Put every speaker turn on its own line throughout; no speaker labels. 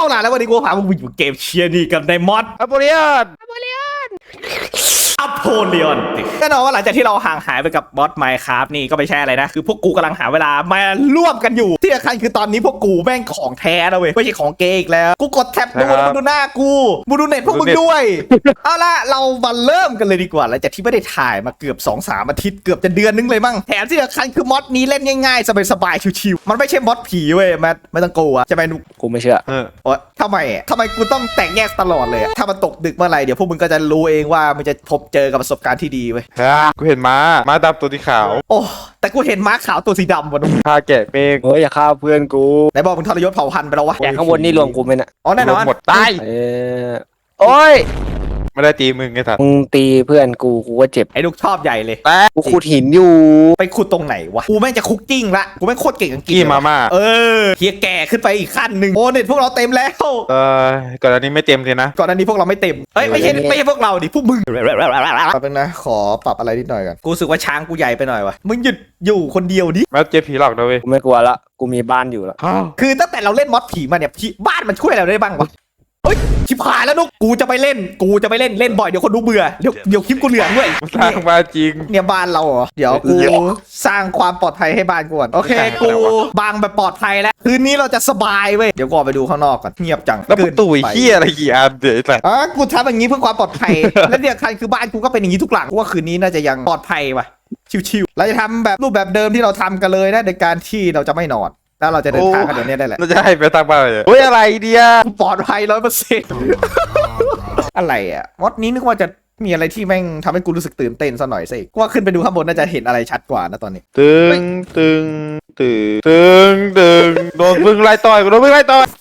เอาล่ะแล้ววันนี้กูพามึงไปอยู่เกมเชียร์นี่กับในมอด
อโปเลียน
อโพลีออนแน่นอนว่าหลังจากที่เราห่างหายไปกับบอสไมค์ครับนี่ก็ไม่ใช่อะไรนะคือพวกกูกำลังหาเวลามาร่วมกันอยู่ที่สำคัญคือตอนนี้พวกกูแม่งของแท้นะเว้ยไม่ใช่ของเกย์อีกแล้วกูกดแท็บดูแล้วมึงดูหน้ากูมึงดูเน็ตพวกมึงด้วยเอาล่ะเรามาเริ่มกันเลยดีกว่าหลังจากที่ไม่ได้ถ่ายมาเกือบ 2-3 อาทิตย์เกือบจะเดือนนึงเลยมั้งแถมที่สำคัญคือมอดนี้เล่นง่ายๆสบายๆชิวๆมันไม่ใช่มอดผีเว้ยแมทไม่ต้องกลัวจะไปนุก
กูไม่เชื่อ
โอ๊ยทำไมกูต้องแตกแยกตลอดเลยถ้ามันตกดึกเมื่อไหร่เดี๋ยวพวกมึงก็จะรู้เองว่ามันจะพบเจอกับประสบการณ์ที่ดีเว้ย
กูเห็นม้าดำตัวสีขาว
โอ้แต่กูเห็นม้าขาวตัวสีดำวะนุ๊ก
พาแกะเมฆ
เฮ้ยอย่าฆ่าเพื่อนกู
ไหนบอกมึงทรยศเผ่าพันธุ์ไปแล้ววะ
แต่ข้างบนนี่รวมกูไหมน่ะ
อ๋อแน่นอน
หมดตาย
โอ้ย
ไม่ได้ตีมึงไงสัตว์
มึงตีเพื่อนกูก็เจ็บ
ไอ้นุ๊กชอบใหญ่เลย
กูขุดหินอยู่
ไปขุดตรงไหนวะกูแม่งจะคุกกิ้งละกูแม่งโคตรเก่งอังกฤษ
กี้มาม่า
เฮียแก่ขึ้นไปอีกขั้นหนึ่งโอ้เน็ตพวกเราเต็มแล้ว
ก่อนอันนี้ไม่เต็มเลยนะ
ก่อนอันนี้พวกเราไม่เต็มเอ้ยไม่ใช่พวกเราดิพวกมึงแป๊บนึงนะขอปรับอะไรนิดหน่อยก่อนกูรู้สึกว่าช้างกูใหญ่ไปหน่อยวะมึงหยุดอยู่คนเดียวดิ
แม้เจอผีหลอกนะเว้ย
กูไม่กลัวละกูมีบ้านอยู่ละ
คือตั้งแต่เราเล่นมอดผีมาเนี่ยบ้านมันช่วยเราได้บ้างวะเฮ้ยชิบหายแล้วนุ๊กกูจะไปเล่นเล่นบ่อยเดี๋ยวคนดูเบื่อเดี๋ยวคลิปกูเหลืองด้วย
สร้างบ้านจริง
เนี่ยบ้านเราเหรอเดี๋ยวกูสร้างความปลอดภัยให้บ้านกูก่อนโอเคกูบางแบบปลอดภัยแล้วคืนนี้เราจะสบายเว้ยเดี๋ยวกูออกไปดูข้างนอกก่อนเงียบจัง
แล้วประตูไอ้เหี้ยอะไรกี่อันเดี๋ยวไอ้สัตว์
กูทำอย่างนี้เพื่อความปลอดภัย และเดี๋ยวคันคือบ้านกูก็เป็นอย่างนี้ทุกหลังกูว่าคืนนี้น่าจะยังปลอดภัยว่ะชิวๆเราจะทำแบบรูปแบบเดิมที่เราทำกันเลยนะในการที่เราจะไม่นอนแล้วเราจะเดินทางกันเดี๋ยวนี้ได้แหละ
เราจะให้ไปสร้างบ้านเลยเฮ้ยอะไรเดีย
ปลอดภัย100%อะไรอ่ะมดนี้นึกว่าจะมีอะไรที่แม่งทำให้กูรู้สึกตื่นเต้นซะหน่อยสิกูว่าขึ้นไปดูข้างบนน่าจะเห็นอะไรชัดกว่านะตอนนี้
ตึงโดนพึ่งไล่ต่อยโดนพึ่งไล่ต่อย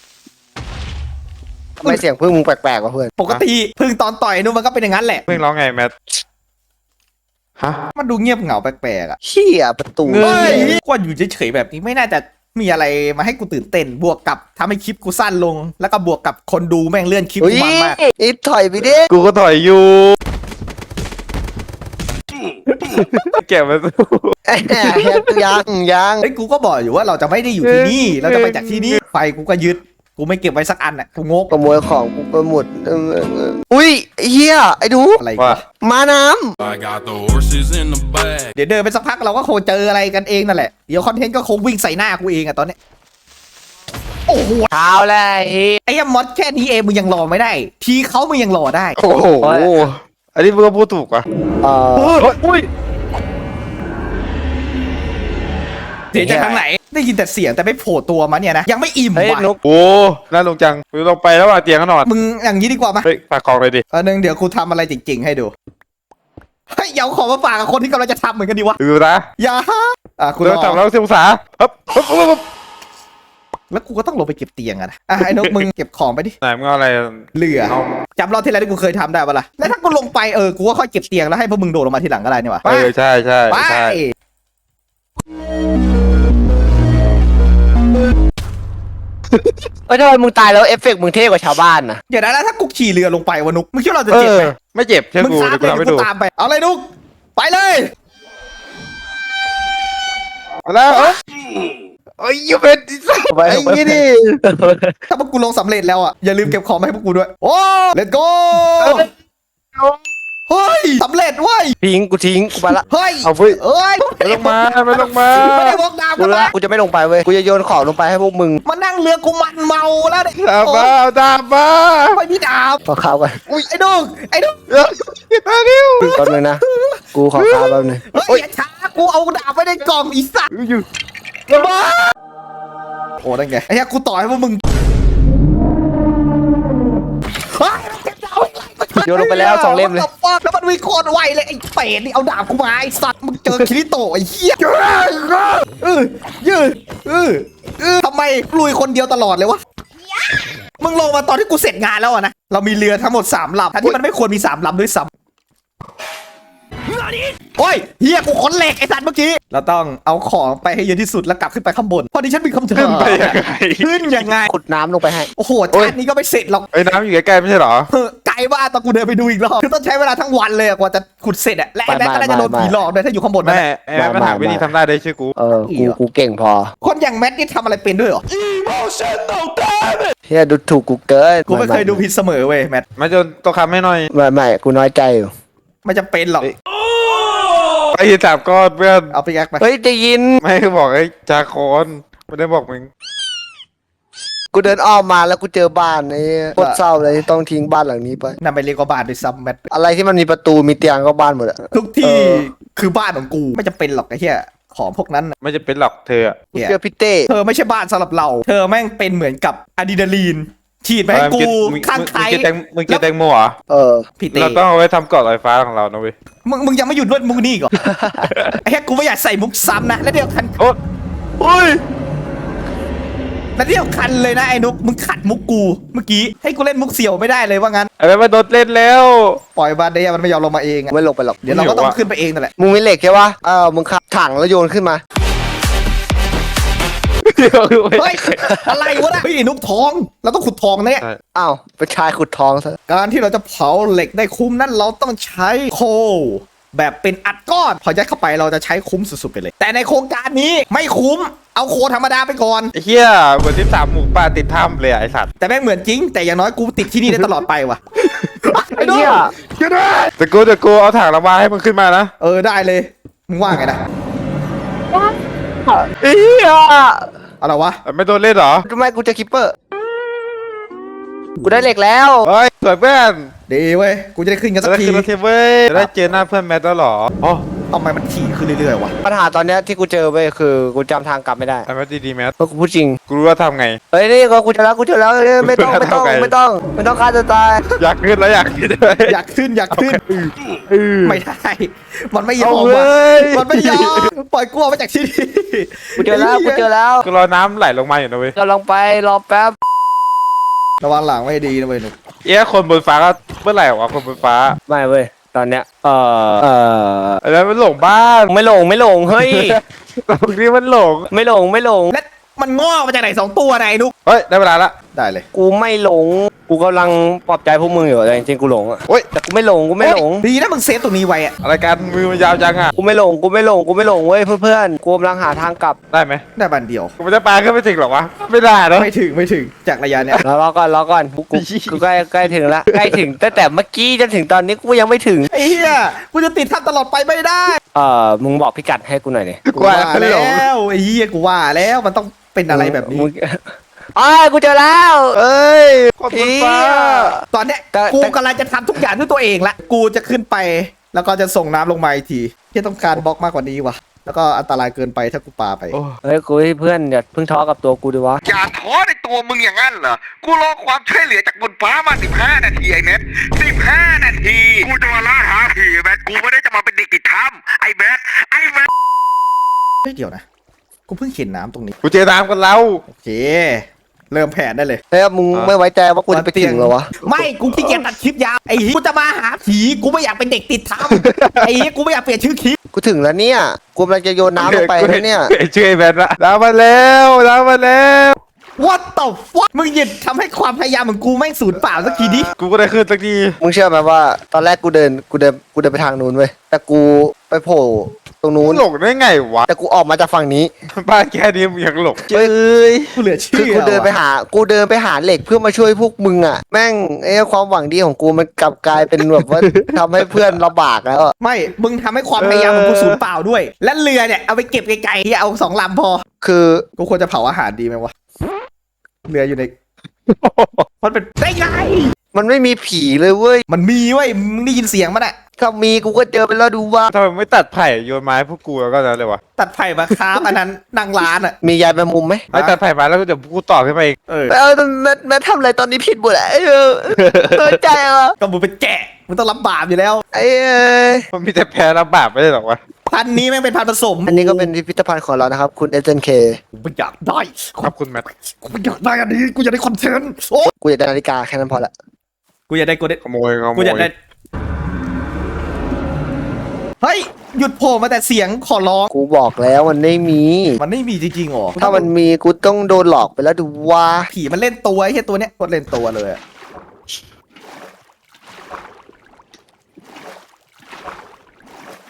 ทำไมเสียงพึ่งมึงแปลกๆวะเพื่อน
ปกติพึ่งตอนต่อยนู่นมันก็เป็นอย่างนั้นแหละ
พึ่งร้องไงแมทฮะ
มันดูเงียบเหงาแปลกๆอ่ะ
เฮียประตู
เง
เฮ้ยกูว่าอยู่เฉยๆแบบนี้ไม่น่าจะมีอะไรมาให้กูตื่นเต้นบวกกับทำให้คลิปกูสั้นลง แล้วก็บวกกับคนดูแม่งเลื่อนคลิป
เฮ้ย
กูมันมาก
ไอ้ถอยไปดิ
กูก็ถอยอยู่แกะมาสู้
ยัง
เฮ้ยกูก็บอกอยู่ว่าเราจะไม่ได้อยู่ที่นี่เราจะไปจากที่นี่ไฟกูก็ยึดกูไม่เก็บไว้สักอันอ่ะกูงก
ขโมยของกูไปหมดอุ้ยไอ้เฮียไอ้ดู
อะไร
ว่า
วะ
มาน้
I got the horses in the bag.
เดี๋ยวเดินไปสักพักเราก็คงเจออะไรกันเองนั่นแหละเดี๋ยวคอนเทนต์ก็คงวิ่งใส่หน้ากูเองอะตอนเนี้ยโอ้โห
ำเท้าแล้วไอ้เฮีย
ไอ้มอดแค่นี้เองมึงยังรอไม่ได้ ทีเขามึงยังรอได้
โอ้โหอันนี้มึงก็พูดถูกว่ะ
อุ้ย
เสียงจากทางไหนได้ยินแต่เสียงแต่ไม่โผล่ตัวมาเนี่ยนะยังไม่อิ่ม
เฮ้ย
ว่ะ
นก
โอ้น่าลงจังมึงลงไปแล้วว่ะเตียงก็นอน
มึงอย่างนี้ดีกว่ามา
เฮ้ยฝากกองเลยดิ
นึงเดี๋ยวกูทำอะไรจริงๆให้ดูเฮ้ยอย่าเอาของมาฝากกับคนที่กำลังจะทำเหมือนกันดีวะ
ดูนะ
อย่ากู
เราทำแล้วเสียงภาษาฮึบ
แล้วกูก็ต้องลงไปเก็บเตียงอะนะไอ้นกมึงเก็บของไปดิ
ไหนมึงเอาอะไร
เหลือจำรอบที่แล้วที่กูเคยทำได้ปะล่ะแล้วถ้ากูลงไปกูก็ค่อยเก็บเตียงแล้วให้พวกมึงโดดลงมาทีหลังก็ได้นี่วะ
ใช่
ไป
เฮ้ยทำไมมึงตายแล้วเอฟเฟกต์มึงเท่กว่าชาวบ้านนะ
เดี๋ยวนะแล้วถ้ากูขี่เรือลงไปวะนุกมึงคิดว่าเราจะ
เอ
เจ็บ
อ
ไหม
ไม่เจ็บเชื่อ
มึง
กู
ตาม
เดี๋ยว
ไป
กูทำให้
เดี๋ยว
ดู
กูตามไปเอาเลยนุกไปเลย
แล้วเอ้ยยูเป็นดิสัไอ้ยี่ดิ
ถ้าพวกกูลงสำเร็จแล้วอย่าลืมเก็บของมาให้พวกกูด้วยโอ้ let's go เฮ้ยสำเร็จเว้ย
ทิ้งกูไปละ
เฮ้ย
เอาเว้ย
เอ้ย
ไม่ลงมาไม่ลงมา
ไม่ได้บอกดาว
กู
กัน
ละ
นะ
กูจะไม่ลงไปเว้ยกูจะโยนของลงไปให้พวกมึง
มานั่งเรือกูมันเมาแล้วเนี่ย
ดาบมาดาบมา
ไม่มีดาว
ขอข้าวกัน
อุ้ยไอ้นุกไอ้นุก
มาเร็ว
แป๊บนึงนะกูขอข้าวแป๊บนึง
เฮ้ยอย่าช้ากูเอาดาบไว้ในกล่องอีสัตว์
อยู่
โอ้ได้ไงไอ้เหี้ยกูต่อให้พวกมึงเฮ้ยเก็บดาวไว้ไล่มา
โยนลงไปแล้ว2 เล่มเลย
แล้วมันวิ่งโคตรไวเลยไอ้เป็ดนี่เอาดาบกูมาไอ้สัตว์มึงเจอคิริโตะไอ้เหี้ยยืดทำไมลุยคนเดียวตลอดเลยวะมึงลงมาตอนที่กูเสร็จงานแล้วนะเรามีเรือทั้งหมด3 ลำทั้งที่มันไม่ควรมี3 ลำด้วยซ้ำโอ้ยเฮียกูขนเหล็กไอ้สัตว์เมื่อกี้เราต้องเอาของไปให้เยอะที่สุดแล้วกลับขึ้นไปข้างบนพอดีฉันมีคำถาม
ขึ้นไปยังไง
ขึ้นยังไง
ขุดน้ำลงไปให้
โอ้โหชาตินี้ก็ไม่เสร็จหรอก
ไอ้น้ำอยู่ใกล้ๆไม่ใช่เหรอ
ไกลว่าตอนกูเดินไปดูอีกรอบคือต้องใช้เวลาทั้งวันเลยกว่าจะขุดเสร็จอะและไอ้แม็กก็น่าจะโดนผีหลอกด้วยถ้าอยู่ข้างบนนั่น
แม่
แหละ
แม่มันหาวิธีทำได้ชื่อกู
กูเก่งพอ
คนอย่างแม็กนี่ทำอะไรเป็นด้วยเหรอ
เฮียดูถูกกูเกิน
กูไม่เคยดูผิดเสมอเว้ยแม็ก
มาจนตัวคำให้หน่อย
ไม่กูน้อยใจอยู่
ไม่จำเป็นหรอก
ไอ้สามก้อนเพื่อน
เอาไปแยกไป
เฮ้ยได้ยิน
ไม่คือบอกไอ้จาคอนไม่ได้บอกมึง
กูเดินอ้อมมาแล้วกูเจอบ้านไอ้โคตรเศร้าเลยที่ต้องทิ้งบ้านหลังนี้ไป
นำไปเรียกว่าบ้านด้วยซ้ำแม็ก
อะไรที่มันมีประตูมีเตียงก็บ้านหมดอะ
ทุกที่คือบ้านของกูไม่จำเป็นหรอกไอ้เหี้ยของพวกนั้นน่ะ
ไม่จะเป็นหรอกเธอ
กูเจอพี่เต้
เธอไม่ใช่บ้านสำหรับเรา เธอแม่งเป็นเหมือนกับอะดรีนาลีนฉีดไปให้กูข้างใคร
มึงกินแตงโมเหรอ
พี่เต้
เราต้องเอาไว้ทำเกาะลอยฟ้าของเรานะเว้ย
มึงยังไม่หยุดด้วยมุกนี่อีกเหรอ ไอ้เหี้ยกูไม่อยากใส่มุกซ้ำนะแล้วเดียวคัน
โอ้
อุ้ย
แล้วเดียวคันเลยนะไอ้นุกมึงขัดมุกกูเมื่อกี้ให้กูเล่นมุกเสี่ยวไม่ได้เลยว่างั้น
ไอ้แม่มาโดนเล่นแล้ว
ปล่อยบาเดียมันไม่ยอมลงมาเองอะ
ไม่ลงไปหรอก
เดี๋ยวเราก็ต้องขึ้นไปเองนั่นแหละ
มึงมีเหล็กใช่ปะมึงขับถังแล้วโยนขึ้นมา
เฮ้ยอะไรวะนะเฮ้ยไอ้นุกทองเราต้องขุดทองนะเนี่ย
อ้าวไปชายขุดทองซะ
การที่เราจะเผาเหล็กได้คุ้มนั้นเราต้องใช้โคแบบเป็นอัดก้อนพอยัดเข้าไปเราจะใช้คุ้มสุดๆไปเลย แต่ในโครงการนี้ไม่คุ้มเอาโคธรรมดาไปก่อน
ไอ้เหี้ยเหมือนที่สามหมูป่าติดถ้ำเลยไอ้สัตว์
แต่แม่งเหมือนจริง แต่อย่างน้อยกูติดที่นี่ได้ตลอดไปว่ะ
ไอ้เหี้ย
แต่กูเอาถังระบายให้มึงขึ้นมานะ
ได้เลยมึงว่าไงนะ
ไอ้เหี้ย
อะไรวะ
ไม่โดนเล่นเหรอ
ทำไมกูเจะคิปเปอร์ กูได้เหล็กแล้ว
เฮ้ยสวยเพื่อน
ดีเว้ยกูจะได้ขึ้นกัน
จะ
สัก
ได้
ที
ขึ้นรถเทเว้ยจะได้เจอหน้าเพื่อนแมทแล้วเหรออ๋อ
ทำไมมันถี่ขึ้นเรื่อยๆวะ
ปัญหาตอนเนี้ยที่กูเจอไปคือกูจำทางกลับไม่ได้
ไอ้แมทดีๆแมท
เพราะกูพูดจริง
กูรู้ว่าทำไง
เฮ้ยนี่ก็กูเจอแล้วไม่ต้องฆ่าตัวตาย
อยากขึ้นแล้วอยากขึ้นด้วย
อยากขึ้นไม่ได้มันไม่ยอ
เอา
ม
เล
ว่ะ
ย
มันไม่ยอมปล่อยกลัวมาจากที่นี่
กูเจอแล้ว
กูรอน้ำไหลลงมาอยู่นะเว้ย
กำลังไปรอแป๊บ
ระวังหลังไม่ดีนะเว้ยหนู
คนบนฟ้าก็เมื่อไหร่วะคนบนฟ้า
ไม่เว้ยตอนเนี้ย
ไอ้แมทมันหลงบ้าน
ไม่หลงเฮ้ย
ตรงนี้มันหลง
ไม่หลง
และมันงอกมาจากไหน2 ตัวไหนนุก
เฮ้ยได้เวลาละ
ได้เลย
กูไม่หลงกูกำลังปลอบใจพวกมึงอยู่แต่จริงๆกูหลงอะ
โอ้ย
แต่กูไม่หลง
ดีนะมึงเซฟตรงนี้ไว้อะ
อะไรกันมือมันยาวจังอ่ะ
กูไม่หลงเว้ยเพื่อนกูกำลังหาทางกลับ
ได้ไหม
ได้บันเดียว
กูมันจะปลาขึ้นไปถึงหรอวะไม่ได้นะ
ไม่ถึงจากระยะเนี้ย
รอก่อนกูใกล้ถึงละใกล้ถึงตั้งแต่เมื่อกี้จนถึงตอนนี้กูยังไม่ถึง
ไอ้เหี้ยกูจะติดท่านตลอดไปไม่ได้
มึงบอกพิกัดให้กูหน่อยดิ
กูว่าแล้วไอ้เหี้ยกูว่าแล้วมันต้องเป็นอะไรแบบนี้
กูเจอแล้ว
เอ้ยคนบนฟ้า
ตอนเนี้ย
แต่
กูกำลังจะทำทุกอย่างด้วยตัวเองละกูจะขึ้นไป แล้วก็จะส่งน้ำลงมาอีกทีที่ต้องการบล็อกมากกว่านี้ว่ะแล้วก็อันตรายเกินไปถ้ากูปาไป
เฮ้ยกูให้เพื่อนอย่าเพิ่งท้อกับตัวกูดิวะ
อย่าท้อในตัวมึงอย่างนั้นเหรอ กูรอความช่วยเหลือจากบนฟ้ามา15 นาทีไอ้เม็ด15 นาที กูจะมาล่าหาผีไอ้เม็ดกูไม่ได้จะมาเป็นเด็กติดถ้ำไอ้เม็ด
เฮ้ยเดี๋ยวนะกูเพิ่งเห็นน้ำตรงนี้
กูเจอน้ำกันแล้ว
โอเคเริ่มแผนได้เลย
เฮ้ยมึงไม่ไว้ใจว่ากูจะไปถึงเหรอวะ
ไม่กูขี้เกียจตัดคลิปยาวไอ้เหี้ยกูจะมาหาผีกูไม่อยากเป็นเด็กติดถ้ำไอ้เหี้ยกูไม่อยากเปลี่ยนชื่อคลิป
กูถึงแล้วเนี่ยกูกำลังจะโยนน้ำลงไปแล้วเนี่ย
ช่วยแมทละน้ำมาแล้วน้ำมาแล้ว
What the fuck มึงหยุดทำให้ความพยายามของกูแม่งสูญเปล่าสักทีดิ
กูก็ได้ขึ้นสักที
มึงเชื่อไหมว่าตอนแรกกูเดินไปทางนู้นเว้ยแต่กูไปโผล่ตรงนู้น
หลงได้ไงวะ
แต่กูออกมาจากฝั่งนี้
บ้านแค่นี้มึงยังหลง
เฮ้ย
กูเหลือ
คื
เชื่
อ
อ
กูเดินไป
ว่ะ
หาเหล็กเพื่อมาช่วยพวกมึงอ่ะแม่งความหวังดีของกูมันกลับกลายเป็นแบบว่า ทำให้เพื่อนลำบากแล้วอะ
ไม่มึงทำให้ความพยายามของกูสูญเปล่าด้วย และเรือเนี่ยเอาไปเก็บไกลๆเอา2 ลำพอ
คือ
กูควรจะเผาอาหารดีไหมวะเรืออยู่ใน มันเป็นได้ไง
มันไม่มีผีเลยเว้ย
มันมีเว้ยมึงได้ยินเสียงมันอะ
ถ้ามีกูก็เจอไปแล้วดูว่า
ทำไมไม่ตัดไผ่โยนไม้พวกกูแล้วก็นั้นเลยวะ
ตัดไผ่มาค้าบอันนั้นนั่งร้านอะ
มียายแมงมุมไหม
ไอ้ตัดไผ่มาแล้วเดี๋ยวกูต่อขึ้นมาเอง
แม่ทำอะไรตอนนี้ผิดหมดอะใจอ่ะ
ก็มึงเป็นแกะมึงต้องรับบาปอยู่แล้ว
มันมีแต่แพ้รับบาปไม่ได้หรอกวะ
พันธุ์นี้แม่งเป็นพันธุ์ผสม
อันนี้ก็เป็นพิพิธภัณฑ์ของเรานะครับคุณเอเจนเค
กูไม่อยากได้
ขอบคุณแมท
กูไม่อยากได้อันนี้กูอยากได้คอนเทนต์โอ้
กูอยากได้นาฬิกาแค่นั้นพอละ
กูอยากได้กูได้
ขโมย
กูอยากได้เฮ้ยหยุดโผล่มาแต่เสียงขอร้อง
กูบอกแล้วมันไม่มี
มันไม่มีจริงๆหรอ
ถ้ามันมีกูต้องโดนหลอกไปแล้วดูว่า
ผีมันเล่นตัวไอ้เหี้ยตัวเนี้ยโคตรเล่นตัวเลยอะ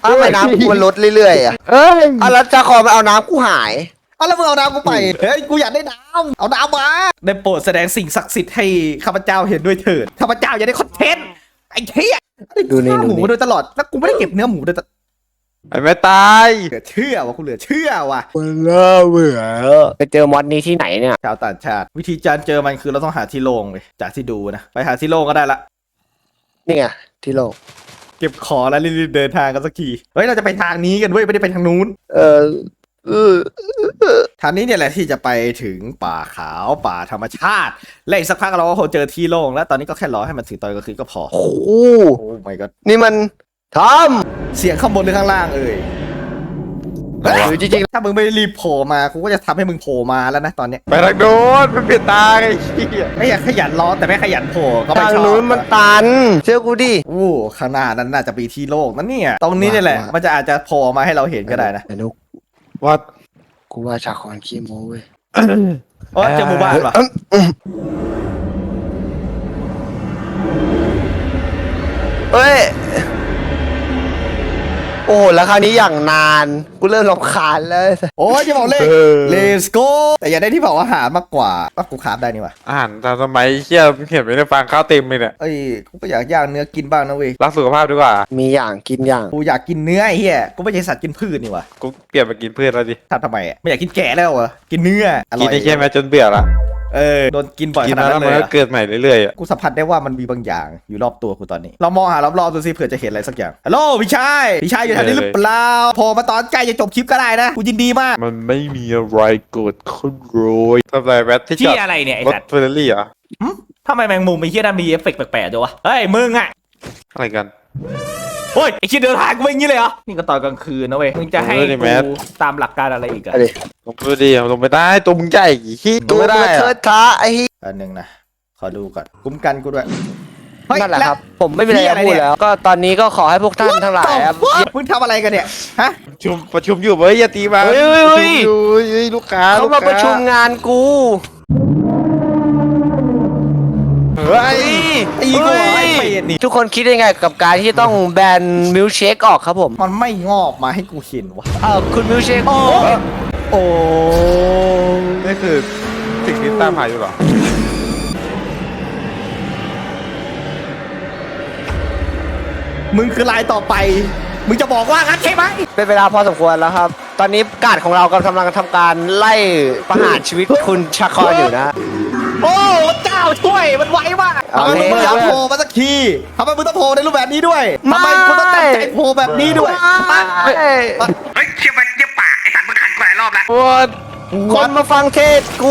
ทำไมน้ำกูมันลดเรื่อยๆอ่ะ
เอ้ย
แล้วจะขอมาเอาน้ำกูหาย
เอาแล้วมึงเอาน้ำกูไปเฮ้ยกูอยากได้น้ำเอาน้ำมาได้โปรดแสดงสิ่งศักดิ์สิทธิ์ให้ข้าพเจ้าเห็นด้วยเถิดข้าพเจ้าอยากได้คอนเทนต์ไอ้เหี้ย
ดูนี่
ฆ่าหมูมาโดยตลอดแล้วกูไม่ได้เก็บเนื้อหมูโดยตลอด
ไอ้แม่ตาย
เหลือเชื่อว่ะกูเหลือเชื่อว่ะ
มันน่าเบื่อไปเจอมอดนี้ที่ไหนเนี่ย
ชาวต่างชาติ วิธีการเจอมันคือเราต้องหาที่โล่งเลยจากที่ดูนะไปหาที่โล่งก็ได้ละ
นี่ไงที่โลก
เก็บของแล้วรีบๆเดินทางกันสักทีเฮ้ยเราจะไปทางนี้กันเว้ยไม่ได้ไปทางนู้น
เออ
ทางนี้เนี่ยแหละที่จะไปถึงป่าขาวป่าธรรมชาติและอีกสักพักเราก็คงเจอที่โล่งแล้วตอนนี้ก็แค่รอให้มันถึงตอนกลางคืนก็พอ
โอ้โห
โอ้ my god
นี่มันท
เสียงข้างบนหรือข้างล่างเอ่ย
ำหรือจริง
ถ้ามึงไม่รีบโผล่มากูก็จะทำให้มึงโผล่มาแล้วนะตอนเนี้ย
ไปทางโน้นมันเปลี่ยนตาไอ้เหี้ย
ไม่อยากขยันรอแต่ไม่ขยันโผล่ก็
ๆ
ไม่
ทาง
ชอบ
นู้นมันตันเชื่อกูดิ
โอ้ข้างหน้านั้นน่าจะมีที่โล่งนั่นเนี่ยตรงนี้นี่แหละ
ว่า
มันจะอาจจะโผล่มาให้เราเห็นก็ได้นะ
ไอ้นุก
วัด
กูว่าชาคอนขี้โม้เว้ย
โอ้เจอหมู่บ้านว่ะ
เอ้ยโอ้โหแล้วคราวนี้อย่างนานกูเริ่มรำคาญแล้ว
โอ้ยจะบอกเลย let's go แต่อย่าได้ที่เผาอาหารมากกว่าว่ากูคราฟได้นี่ว่ะ
อาหารตามสมัยเหี้ยมึงเห็นไหมในฟางข้าวเต็มเลยเนี่ย
เอ้ยกูก็อยากย่างเนื้อกินบ้างนะเว้ย
รักสุขภาพดีกว่า
มีอย่างกินอย่าง
กูอยากกินเนื้อไอ้เหี้ยกูไม่ใช่สัตว์กินพืชนี่ว่ะ
กูเปลี่ยนมากินพืชแล้วดิ
ทำไมอ่ะไม่อยากกินแกะแล้วเหรอกินเนื้ออร่
กิน
อย
ไอ้เหี้ยแม่จนเบื่อละ
โดนกินบ่อย
กิ
ข
น
นาด
แล้ว
นั้น
มัน
เลย
ก็
เหรอ
เกิดใหม่เรื่อยๆอะ
กูสัมผัสได้ว่ามันมีบางอย่างอยู่รอบตัวกูตอนนี้เรามองหารอบๆดูสิเผื่อจะเห็นอะไรสักอย่างฮัลโหลพี่ชายอยู่แถวนี้หรือเปล่าโผล่มาตอนใกล้จะจบคลิปก็ได้นะกูยินดีมาก
มันไม่มีอะไรเกิดขึ้นโรยทำไรแบทที่จ
ที่
อด
อะไรเนี่ยไอ้
รถ
สัตว์
เฟอร์รารี่เหรอ
ทำไมแมงมุมไอ้เหี้ยนั่นมีเอฟเฟกต์แปลกๆด้วยวะเฮ้ยมึงอ่ะ
อะไรกัน
โอ้ยไอ้เหี้ยเดินทางกูเป็นอย่างนี้เลยเหรอนี่ก็ตอนกลางคืนนะเว้ยมึงจะให้
เออดิแมท
กูตามหลักการอะไรอีกอะ
เอาดิ
ลงไปดิลงไปได้ตัวมึงใหญ่ขี้
ตัว
ไม่
มัน
ได้
เทิ
อะ
ดท้าไอ้เหี้ย
อันหนึ่งนะขอดูก่อนคุ้มกันกูด้วยเฮ้ย
นั่นแหละ
ว
ครับ ผมไม่มีอะไรจะพูดแล้ว ก็ตอนนี้ก็ขอให้พวกท่านทั้งหลายครับ
มึงทำอะไรกันเนี่ยฮะ
ประชุมอยู่เว้ยอย่าตีมา
เฮ้ย
ประ
เฮ้
ชุ
ย
มอยู่เฮ้ยลูกค้า
เขา
ลูก
มา
ค้
ประชุมงานกู
เฮ้ย
ตีกูเหรอไอ้เป็ดนี่
ทุกคนคิดยังไงกับการที่ต้องแบนมิลเชคออกครับผม
มันไม่งอกมาให้กูเห็นวะ
คุณมิลเชค
โอ้
นี่คือสิ่งที่ตามหาอยู่เหรอ
มึงคือลายต่อไป มึงจะบอกว่างั้นใช่ไหม
เป็นเวลาพอสมควรแล้วครับ ตอนนี้การของเรากำลังทำการไล่ประหารชีวิตคุณชาคอนอยู่นะ
โอ้เจ้าช่วยมันไวมาก
เอา
ทำไมมึง
เลย
อยากโผล่มาสักทีทำไมมึงต้องโผล่ในรูปแบบนี้ด้วยทำไมคุณต้องตั้งใจโผล่แบบนี้ด้วย
เฮ้ย
เฮ้ยเชี่ยมันเชี่ยปากไอ้สัตว์มึงขันกูหลายรอบแล้ว
คนมาฟังเทศกู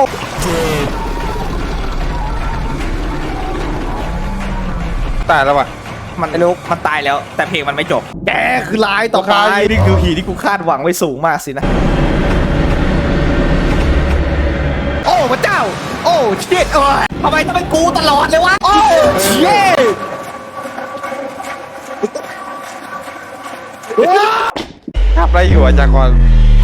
ตายแล้วว่ะ
มันตายแล้ว แต่เพลงมันไม่จบ แกคือลายต่อไปนี่คือผีที่กูคาดหวังไว้สูงมากสินะ โอ้พระเจ้า โอ้เชิดโอ้ยทำไมต้องเป็นกูตลอดเลยวะ โอ้เชิด
ทำอะไรอยู่อาจารย์กร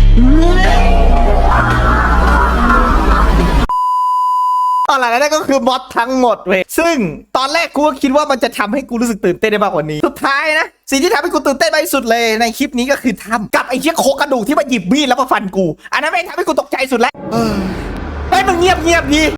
ตอนหลังนั่นก็คือมอดทั้งหมดเว้ยซึ่งตอนแรกกูก็คิดว่ามันจะทำให้กูรู้สึกตื่นเต้นได้มากกว่านี้ สุดท้ายนะสิ่งที่ทำให้กูตื่นเต้นมากที่สุดเลยในคลิปนี้ก็คือทำกับไอ้เชี่ยโครงกระดูกที่มาหยิบมีดแล้วมาฟันกู อันนั้นไม่งทำให้กูตกใจสุดแล้วเฮ้ยมึงเงียบดี